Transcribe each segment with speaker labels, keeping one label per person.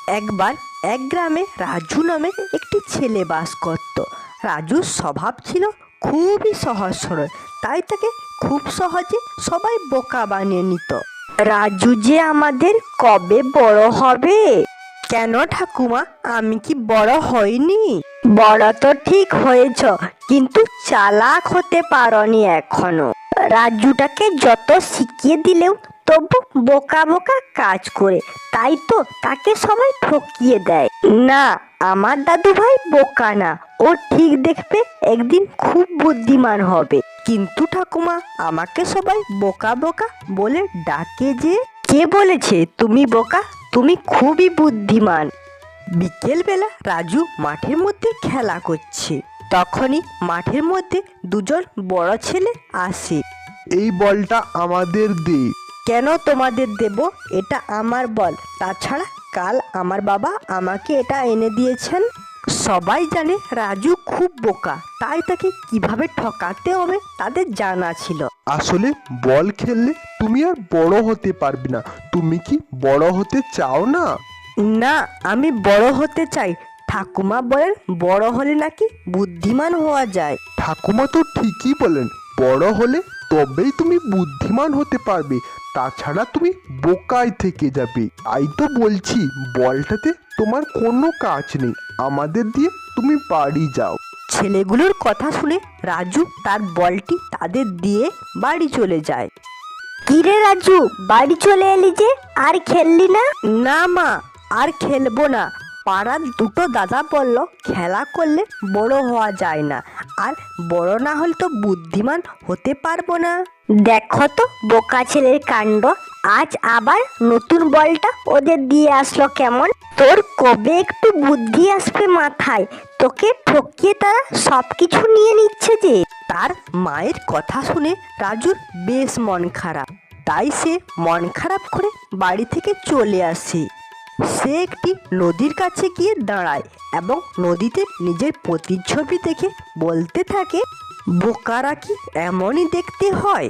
Speaker 1: একবার এক গ্রামে রাজু নামে একটি ছেলে বাস করত। রাজুর স্বভাব ছিল খুবই সহজ সরল, তাই তাকে খুব সহজে সবাই বোকা বানিয়ে নিত। রাজু যে আমাদের কবে বড় হবে? কেন ঠাকুমা, আমি কি বড় হইনি? বড় তো ঠিক হয়েছ, কিন্তু চালাক হতে পারোনি এখনো। রাজুটাকে যত শিখিয়ে দিলেও তবু বোকা বোকা কাজ করে, তাই তো তাকে সবাই ঠকিয়ে দেয়। না, আমার দাদু ভাই বোকা না, ও ঠিক দেখবে একদিন খুব বুদ্ধিমান হবে। কিন্তু ঠাকুমা, আমাকে সবাই বোকা বোকা বলে ডাকে যে। কে বলেছে তুমি বোকা? তুমি খুবই বুদ্ধিমান। বিকেল বেলা রাজু মাঠের মধ্যে খেলা করছে, তখনই মাঠের মধ্যে দুজন বড় ছেলে আসে।
Speaker 2: এই বলটা আমাদের দে।
Speaker 1: কেন তোমাদের দেব? এটা আমার বল। তাছাড়া কাল আমার বাবা আমাকে এটা এনে দিয়েছেন। সবাই জানে রাজু খুব বোকা, তাই তাকে কিভাবে ঠকাতে হবে তাদের জানা ছিল।
Speaker 2: আসলে বল খেললে তুমি আর বড় হতে পারবে না। তুমি কি বড় হতে চাও না?
Speaker 1: না, আমি বড় হতে চাই। ঠাকুমা বলেন বড় হলে নাকি বুদ্ধিমান হওয়া যায়।
Speaker 2: ঠাকুমা তো ঠিকই বলেন, বড় হলে তবেই তুমি বুদ্ধিমান হতে পারবে, তাছাড়া তুমি বোকায় থেকে যাবে। তাই তো বলছি, বলটাতে তোমার কোনো কাজ নেই, আমাদের দিয়ে তুমি বাড়ি যাও।
Speaker 1: ছেলেগুলোর কথা শুনে রাজু তার বলটি তাদের দিয়ে বাড়ি চলে যায়। কিরে রাজু, বাড়ি চলে এলি যে, আর খেললি না? না মা, আর খেলবো না। পাড়ার দুটো দাদা বলল খেলা করলে বড় হওয়া যায় না, আর বড় না হলে তো বুদ্ধিমান হতে পারবো না। দেখো তো বোকা ছেলের কাণ্ড, আজ আবার নতুন বলটা ওদের দিয়ে আসলো কেমন? তোর কবে একটু বুদ্ধি আসবে মাথায়? তোকে ঠকিয়ে তারা সবকিছু নিয়ে নিচ্ছে যে। তার মায়ের কথা শুনে রাজুর বেশ মন খারাপ, তাই সে মন খারাপ করে বাড়ি থেকে চলে আসে। সে একটি নদীর কাছে গিয়ে দাঁড়ায় এবং নদীতে নিজের প্রতিচ্ছবি দেখে বলতে থাকে, বোকারা কি এমনই দেখতে হয়?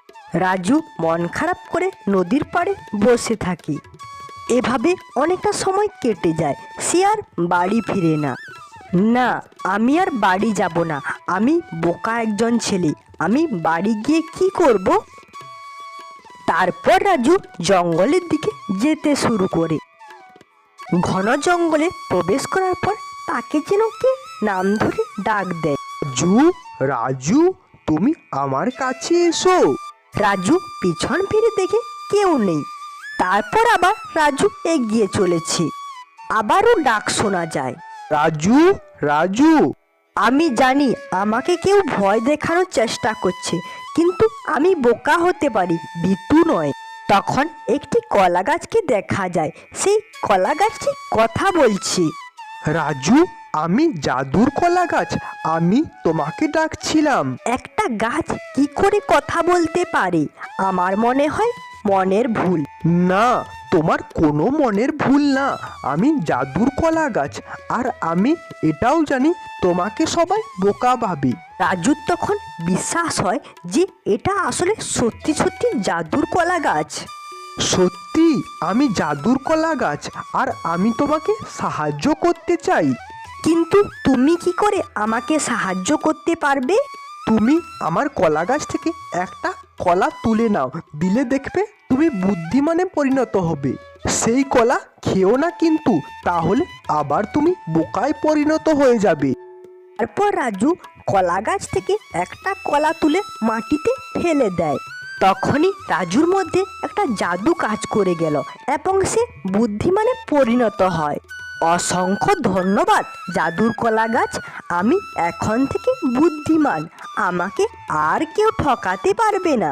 Speaker 1: রাজু মন খারাপ করে নদীর পাড়ে বসে থাকে। এভাবে অনেকটা সময় কেটে যায়, সে আর বাড়ি ফিরে না। না, আমি আর বাড়ি যাব না। আমি বোকা একজন ছেলে, আমি বাড়ি গিয়ে কি করব? তারপর রাজু জঙ্গলের দিকে যেতে শুরু করে। ঘন জঙ্গলে প্রবেশ করার পর তাকে যেন কে নাম ধরে ডাক দেয়।
Speaker 2: রাজু, রাজু, তুমি আমার কাছে এসো।
Speaker 1: রাজু পিছন ফিরে দেখে কেউ নেই। তারপর আবার রাজু এগিয়ে চলেছে, আবারও ডাক শোনা যায়,
Speaker 2: রাজু, রাজু।
Speaker 1: আমি জানি আমাকে কেউ ভয় দেখানোর চেষ্টা করছে, কিন্তু আমি বোকা হতে পারি, ভীতু নয়। তখন একটি কলা গাছকে দেখা যায়, সেই কলা গাছটি কথা বলছে।
Speaker 2: রাজু, আমি জাদুর কলা গাছ, আমি তোমাকে ডাকছিলাম।
Speaker 1: একটা গাছ কি করে কথা বলতে পারে? আমার মনে হয় মনের ভুল।
Speaker 2: না, তোমার কোনো মনের ভুল না, আমি জাদুর কলা গাছ, আর আমি এটাও জানি তোমাকে সবাই বোকা ভাবে।
Speaker 1: রাজুর তখন বিশ্বাস হয় যে এটা আসলে সত্যি সত্যি জাদুর কলা গাছ।
Speaker 2: সত্যি আমি জাদুর কলা গাছ, আর আমি তোমাকে সাহায্য করতে চাই।
Speaker 1: কিন্তু তুমি কি করে আমাকে সাহায্য করতে পারবে?
Speaker 2: তুমি আমার কলা গাছ থেকে একটা কলা তুলে নাও, দিলে দেখবে তুমি বুদ্ধিমানে পরিণত হবে। সেই কলা খেও না কিন্তু, তাহলে আবার তুমি বোকায় পরিণত হয়ে যাবে।
Speaker 1: তারপর রাজু কলা গাছ থেকে একটা কলা তুলে মাটিতে ফেলে দেয়। তখনই রাজুর মধ্যে একটা জাদু কাজ করে গেল এবং সে বুদ্ধিমানে পরিণত হয়। অসংখ্য ধন্যবাদ জাদুর কলা গাছ, আমি এখন থেকে বুদ্ধিমান, আমাকে আর কেউ ঠকাতে পারবে না।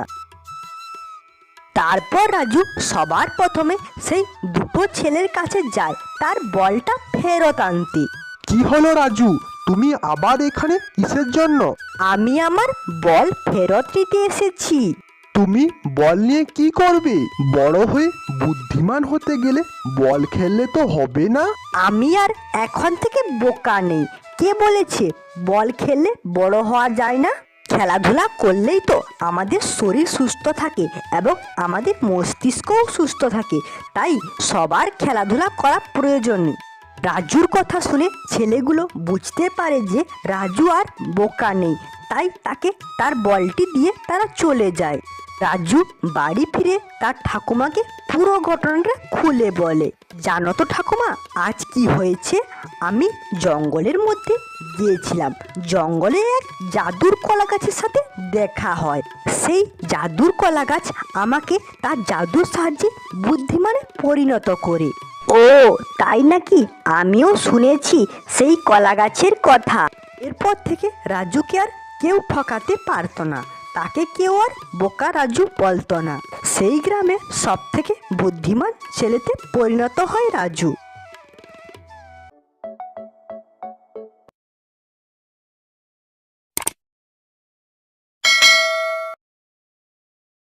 Speaker 1: তারপর রাজু সবার প্রথমে সেই দুটো ছেলের কাছে যায় তার বলটা ফেরত আনতে।
Speaker 2: কি হলো রাজু, তুমি আবার এখানে কিসের জন্য?
Speaker 1: আমি আমার বল ফেরত নিতে এসেছি।
Speaker 2: তুমি বল নিয়ে কি করবে? বড় হয়ে বুদ্ধিমান হতে গেলে বল খেললে তো হবে না।
Speaker 1: আমি আর এখন থেকে বোকা নেই। কে বলেছে বল খেললে বড় হওয়া যায় না? খেলাধুলা করলেই তো আমাদের শরীর সুস্থ থাকে এবং আমাদের মস্তিষ্কও সুস্থ থাকে, তাই সবার খেলাধুলা করা প্রয়োজন। রাজুর কথা শুনে ছেলেগুলো বুঝতে পারে যে রাজু আর বোকা নেই, তাই তাকে তার বলটি দিয়ে তারা চলে যায়। রাজু বাড়ি ফিরে তার ঠাকুমাকে পুরো ঘটনাটা খুলে বলে, জানো তো ঠাকুমা, আজ কি হয়েছে? আমি জঙ্গলের মধ্যে গিয়েছিলাম, জঙ্গলে এক জাদুর কলা গাছের সাথে দেখা হয়। সেই জাদুর কলা গাছ আমাকে তার জাদুর সাহায্যে বুদ্ধিমানে পরিণত করে। ও তাই নাকি? আমিও শুনেছি সেই কলা গাছের কথা। এরপর থেকে রাজুকে আর কেউ ঠকাতে পারতো না, তাকে কেউ আর বোকা রাজু বলতো না। সেই গ্রামে সব থেকে বুদ্ধিমান ছেলেতে পরিণত হয় রাজু।